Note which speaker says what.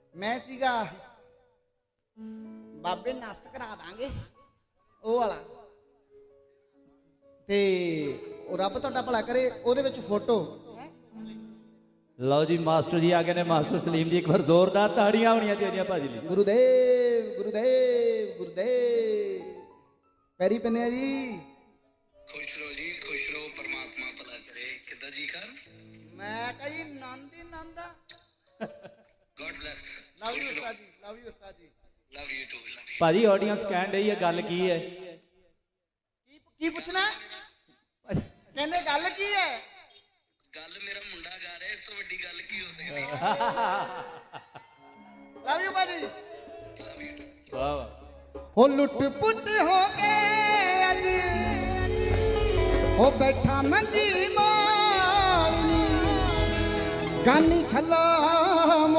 Speaker 1: मैं सीगा बाबे नष्ट करा दांगे ਉਹ ਵਾਲਾ ਤੇ ਰੱਬ ਤੁਹਾਡਾ ਭਲਾ ਕਰੇ ਉਹਦੇ ਵਿੱਚ ਫੋਟੋ।
Speaker 2: ਲਓ ਜੀ ਮਾਸਟਰ ਜੀ ਆ ਗਏ ਨੇ। ਮਾਸਟਰ ਸਲੀਮ ਜੀ ਇੱਕ ਵਾਰ ਜ਼ੋਰਦਾਰ ਤਾੜੀਆਂ ਹੋਣੀਆਂ ਚਾਹੀਦੀਆਂ ਭਾਜੀ ਲਈ।
Speaker 1: ਗੁਰੂਦੇਵ ਗੁਰੂਦੇਵ ਗੁਰੂਦੇਵ ਪੈਰੀ ਪੰਨਿਆ ਜੀ।
Speaker 3: खुश रहो जी, खुश रहो, परमात्मा भला करे। किदा जी कर
Speaker 1: ਮੈਂ ਕਹੀ ਨੰਦ ਹੀ ਨੰਦ।
Speaker 3: God bless.
Speaker 1: ਲਵ ਯੂ ਉਸਤਾਦ ਜੀ, ਲਵ ਯੂ ਉਸਤਾਦ ਜੀ।
Speaker 3: Love you too, love you.
Speaker 2: ਭਾਜੀ ਆਡੀਅנס ਕਹਿਣ ਡਈ ਹੈ ਗੱਲ ਕੀ ਹੈ?
Speaker 1: ਕੀ ਪੁੱਛਣਾ? ਕਹਿੰਦੇ ਗੱਲ ਕੀ ਹੈ?
Speaker 3: गल मेरा मुंडा गा रहा है, इस तो वड्डी गल की हो सकती है?
Speaker 1: ਲਵ ਯੂ ਬਾਜੀ।
Speaker 3: Love you too.
Speaker 2: ਵਾਹ ਵਾਹ।
Speaker 1: ਹੋ ਲੁੱਟ ਪੁੱਟ ਹੋ ਕੇ ਅੱਜ ਹੋ ਬੈਠਾ ਮੰਜੀ ਮਾਲਨੀ ਗਾਨੀ ਛੱਲਾ